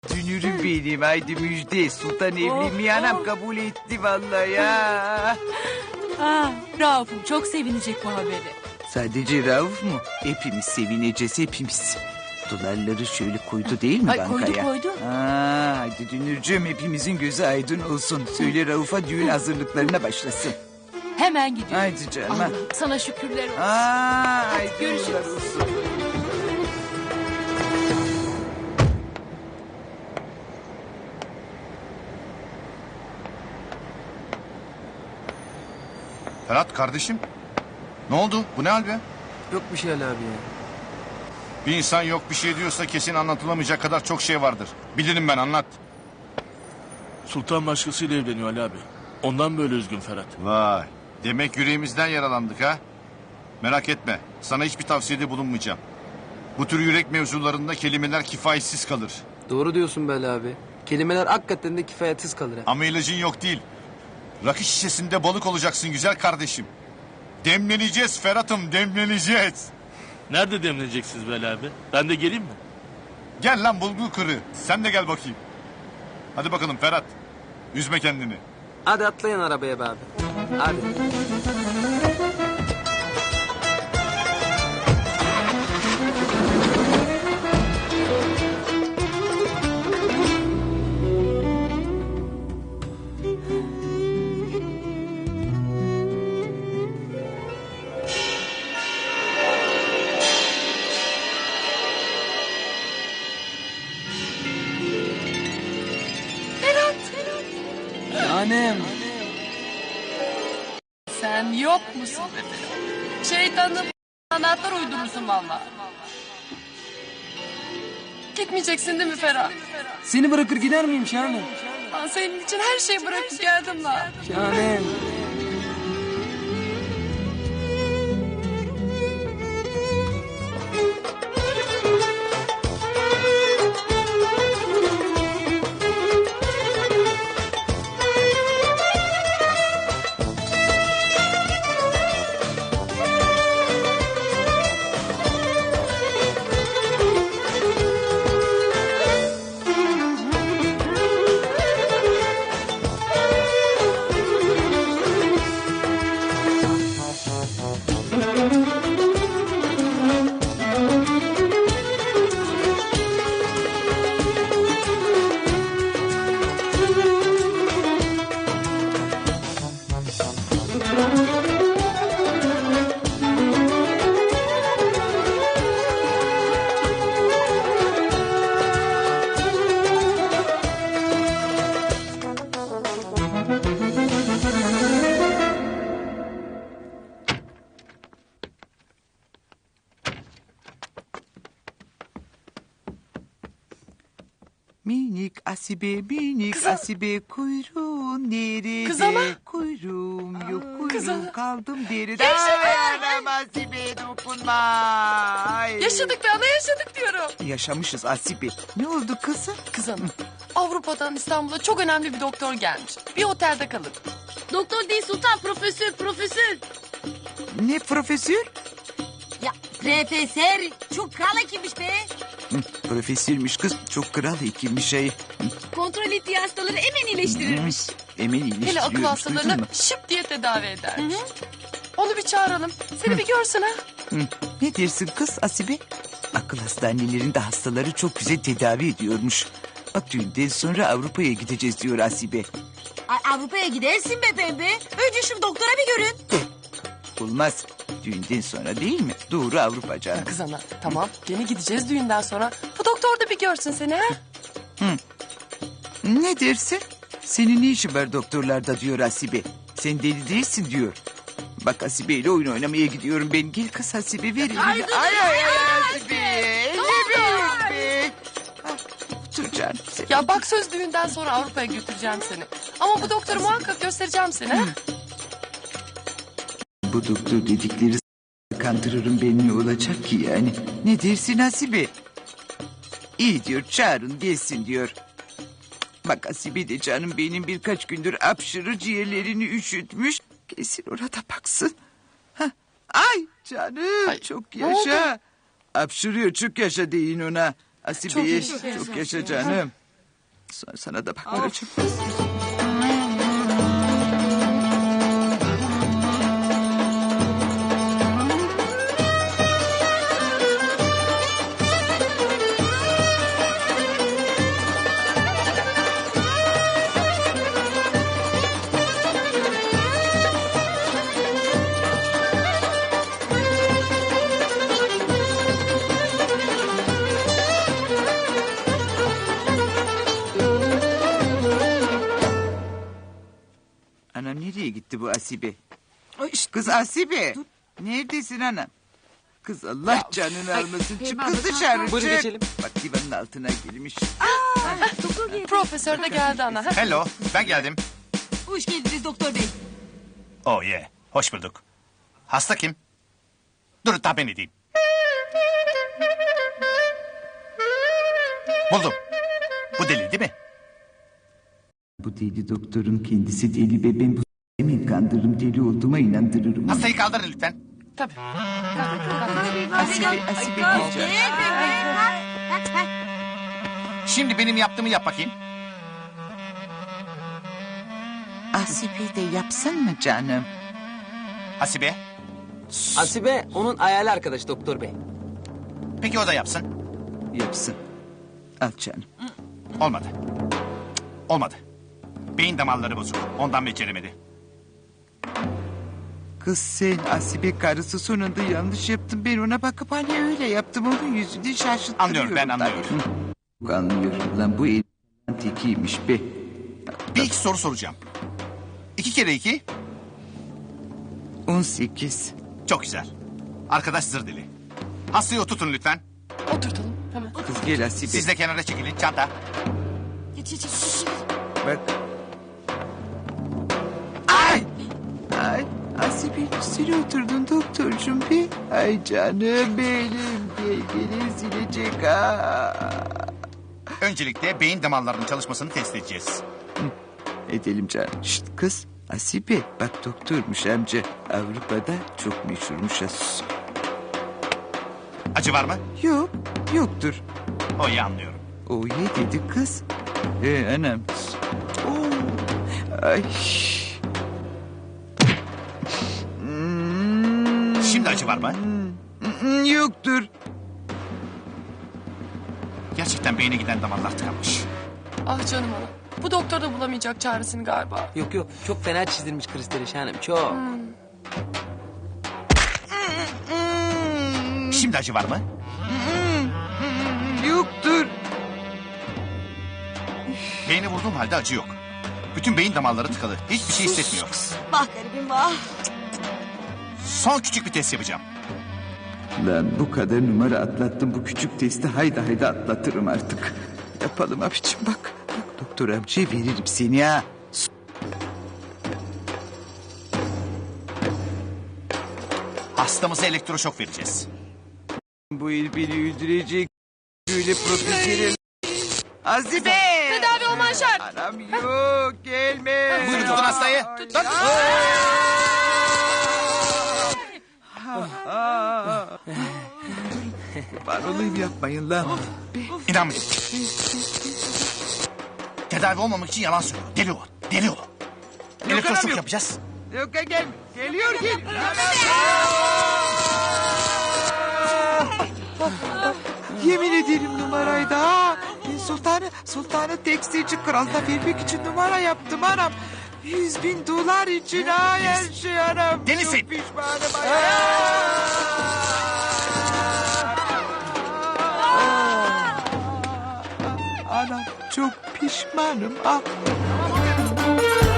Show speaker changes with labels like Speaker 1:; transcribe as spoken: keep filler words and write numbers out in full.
Speaker 1: Dünürüm benim, haydi müjde. Sultan evlenmeyi anam kabul etti vallahi ya.
Speaker 2: Ah, Rauf'um çok sevinecek bu haberi.
Speaker 1: Sadece Rauf mu? Hepimiz sevineceğiz, hepimiz. Dolarları şöyle koydu değil mi
Speaker 2: Ay,
Speaker 1: bankaya?
Speaker 2: koydu, koydu.
Speaker 1: Aa, hadi Dünürcüğüm, hepimizin gözü aydın olsun. Söyle Rauf'a düğün hazırlıklarına başlasın.
Speaker 2: Hemen gidiyorum.
Speaker 1: Haydi canım. ha.
Speaker 2: Allah'ım sana şükürler olsun.
Speaker 1: Aa, haydi
Speaker 2: görüşürüz.
Speaker 1: uğurlar olsun.
Speaker 3: Ferhat kardeşim. Ne oldu? Bu ne hal be?
Speaker 4: Yok bir şey Ali abi ya.
Speaker 3: Bir insan yok bir şey diyorsa kesin anlatılamayacak kadar çok şey vardır. Bilirim ben, anlat.
Speaker 5: Sultan başkasıyla evleniyor Ali abi. Ondan böyle üzgün Ferhat.
Speaker 3: Vay. Demek yüreğimizden yaralandık ha? Merak etme. Sana hiçbir tavsiyede bulunmayacağım. Bu tür yürek mevzularında kelimeler kifayetsiz kalır.
Speaker 4: Doğru diyorsun be Ali abi. Kelimeler hakikaten de kifayetsiz kalır ha.
Speaker 3: Ama ilacın yok değil. Rakı şişesinde balık olacaksın güzel kardeşim. Demleneceğiz Ferhat'ım, demleneceğiz.
Speaker 5: Nerede demleneceksiniz be Ali abi? Ben de geleyim mi?
Speaker 3: Gel lan bulgur kırı. Sen de gel bakayım. Hadi bakalım Ferhat. Üzme kendini.
Speaker 4: Hadi atlayın arabaya be abi. Hadi. Annem.
Speaker 6: Sen yok musun be Ferhat? Şeytanın anahtar uydurursun valla. Gitmeyeceksin değil mi Ferhat?
Speaker 4: Seni bırakır gider miyim Şahanem?
Speaker 6: Ben senin için her şeyi bırakıp geldim lan.
Speaker 4: Şahanem.
Speaker 1: Minik asibe, minik asibe, kuyruğun nerede?
Speaker 6: Kız ana.
Speaker 1: Kuyruğum yok,
Speaker 6: Kız
Speaker 1: kuyruğum
Speaker 6: ana.
Speaker 1: kaldım deride.
Speaker 6: Yaşadık.
Speaker 1: Ay anam asibe dokunma. Ay.
Speaker 6: Yaşadık be ana, yaşadık diyorum.
Speaker 1: Yaşamışız asibe. Ne oldu kızım?
Speaker 6: Kız hanım, Avrupa'dan İstanbul'a çok önemli bir doktor gelmiş. Bir otelde kalın.
Speaker 2: Doktor değil Sultan, profesör, profesör.
Speaker 1: Ne profesör?
Speaker 2: Ya profesör çok kral hekimmiş be.
Speaker 1: Hı, profesörmüş kız. Çok kral hekimmiş şey.
Speaker 2: Kontrol ettiği hastaları hemen iyileştirirmiş.
Speaker 1: Hemen iyileştiriyormuş.
Speaker 6: Hele akıl
Speaker 1: duydun
Speaker 6: hastalarını
Speaker 1: mu?
Speaker 6: şıp diye tedavi edermiş. Onu bir çağıralım. Seni bir görsün ha.
Speaker 1: Hı, ne dersin kız Asibe? Akıl hastanelerinde hastaları çok güzel tedavi ediyormuş. Bak düğünden sonra Avrupa'ya gideceğiz diyor Asibe.
Speaker 2: Ay, Avrupa'ya gidersin be pembe. Önce şu doktora bir görün.
Speaker 1: Olmaz. Düğünden sonra değil mi? Doğru Avrupa canım.
Speaker 6: Kız ana, tamam. Gene gideceğiz düğünden sonra. Bu doktor da bir görsün seni ha.
Speaker 1: Ne dersin? Senin ne işin var doktorlarda diyor Asibe. Sen deli değilsin diyor. Bak Asibe ile oyun oynamaya gidiyorum ben. Gel kız Asibe ver elini. Ay ay ay, ay Asibe. Elimi be. Ah, Otur canım sen.
Speaker 6: Ya bak söz düğünden sonra Avrupa'ya götüreceğim seni. Ama bu doktoru muhakkak göstereceğim seni ha.
Speaker 1: Bu doktor dedikleri s- kandırırım ben, ne olacak ki yani? Ne dersin Asibe? İyi diyor, çağırın gelsin diyor. Bak Asibe de canım benim birkaç gündür apşırı ciğerlerini üşütmüş. Gelsin orada baksın. Hah. Ay canım
Speaker 6: Ay,
Speaker 1: çok
Speaker 6: ne oldu?
Speaker 1: yaşa. Apşırıyor çok yaşa deyin ona. Asibe'ye
Speaker 6: Çok
Speaker 1: çok,
Speaker 6: yaşa.
Speaker 1: yaşa canım. Sonra sana da baktıracağım. Anam nereye gitti bu Asibe?
Speaker 2: Ay işte
Speaker 1: Kız Asibe. Neredesin anam? Kız Allah canını almasın. Çık kız dışarı
Speaker 4: Buyurun
Speaker 1: çık.
Speaker 4: geçelim.
Speaker 1: Bak divanın altına girmiş.
Speaker 6: Profesör de geldi ana.
Speaker 3: Hello, ben geldim.
Speaker 2: hoş geldiniz doktor bey.
Speaker 3: Oh yeah, hoş bulduk. Hasta kim? Dur tahmin edeyim. Buldum. Bu deli değil mi?
Speaker 1: Bu deli doktorun kendisi deli ve ben bu emin kandırırım deli olduğuma inandırırım.
Speaker 3: Hastayı kaldırın lütfen.
Speaker 6: Tabii.
Speaker 1: Asibe, Asibe diyeceğim.
Speaker 3: Şimdi benim yaptığımı yap bakayım.
Speaker 1: Asibe de yapsın mı canım?
Speaker 3: Hasibe.
Speaker 4: Asibe onun hayali arkadaş doktor bey.
Speaker 3: Peki o da yapsın.
Speaker 1: Yapsın. Al canım.
Speaker 3: Olmadı. Olmadı. Beyin damarları bozuk. Ondan beceremedi.
Speaker 1: Kız sen Asibe karısı sonunda yanlış yaptın. Ben ona bakıp hani öyle yaptım. Onun yüzünü şaşırttırıyorum.
Speaker 3: Anlıyorum, ben anlıyorum.
Speaker 1: Tabii. Anlıyorum lan bu el tekiymiş be.
Speaker 3: Bir iki soru soracağım. İki kere iki.
Speaker 1: On sekiz.
Speaker 3: Çok güzel. Arkadaş zır deli. Hastayı oturtun lütfen.
Speaker 6: Oturtalım hemen.
Speaker 1: Kız gel Asibe.
Speaker 3: Siz de kenara çekilin. Çanta.
Speaker 2: Geç geç geç. geç.
Speaker 1: Bak. Ay! Ay! Asibe üstüne oturdun doktorcum be. Ay canım benim. Gel silecek ha.
Speaker 3: Öncelikle beyin damarlarının çalışmasını test edeceğiz.
Speaker 1: Edelim canım. Şşt kız. Asibe bak doktormuş amca. Avrupa'da çok meşhurmuş. ha. Sus.
Speaker 3: Acı var mı?
Speaker 1: Yok. Yoktur.
Speaker 3: O iyi anlıyorum.
Speaker 1: O ye dedi kız. Ee, anam. Oo. Ay. Hmm,
Speaker 3: Şimdi acı var mı?
Speaker 1: hmm, yoktur.
Speaker 3: Gerçekten beyne giden damarlar tıkanmış.
Speaker 6: Ah canım ana. Bu doktor da bulamayacak çaresini galiba.
Speaker 4: Yok yok çok fena çizdirmiş kristali şahanem çok.
Speaker 3: Şimdi acı var mı?
Speaker 1: Yoktur.
Speaker 3: Beyne vurduğum halde acı yok. Bütün beyin damarları tıkalı. Hiçbir şey hissetmiyor.
Speaker 2: Vah garibim vah.
Speaker 3: Son küçük bir test yapacağım.
Speaker 1: Lan bu kadar numara atlattım. Bu küçük testi hayda hayda atlatırım artık. Yapalım abicim bak. Bak doktor amcaya veririm seni ha.
Speaker 3: Hastamıza elektroşok vereceğiz.
Speaker 1: Bu el beni öldürecek. Böyle profesyonel. Asibe!
Speaker 6: Tedavi olman şart.
Speaker 1: Anam yok gelme.
Speaker 3: Buyurun tutun hastayı. Tut.
Speaker 1: Var olayım yapmayın lan.
Speaker 3: İnanmayın. Tedavi olmamak için yalan söylüyor. Deli o. Deli o.
Speaker 1: anam,
Speaker 3: Elektroşok
Speaker 1: yok.
Speaker 3: yapacağız.
Speaker 1: Yok gel. Geliyor gel. Yemin ederim numaraydı ha. Ben sultanı, sultanı tekstilci kralına vermek için numara yaptım anam. Yüz bin dolar için ha her şey anam.
Speaker 3: Delisin.
Speaker 1: Çok pişmanım anam. Anam çok pişmanım. Ah.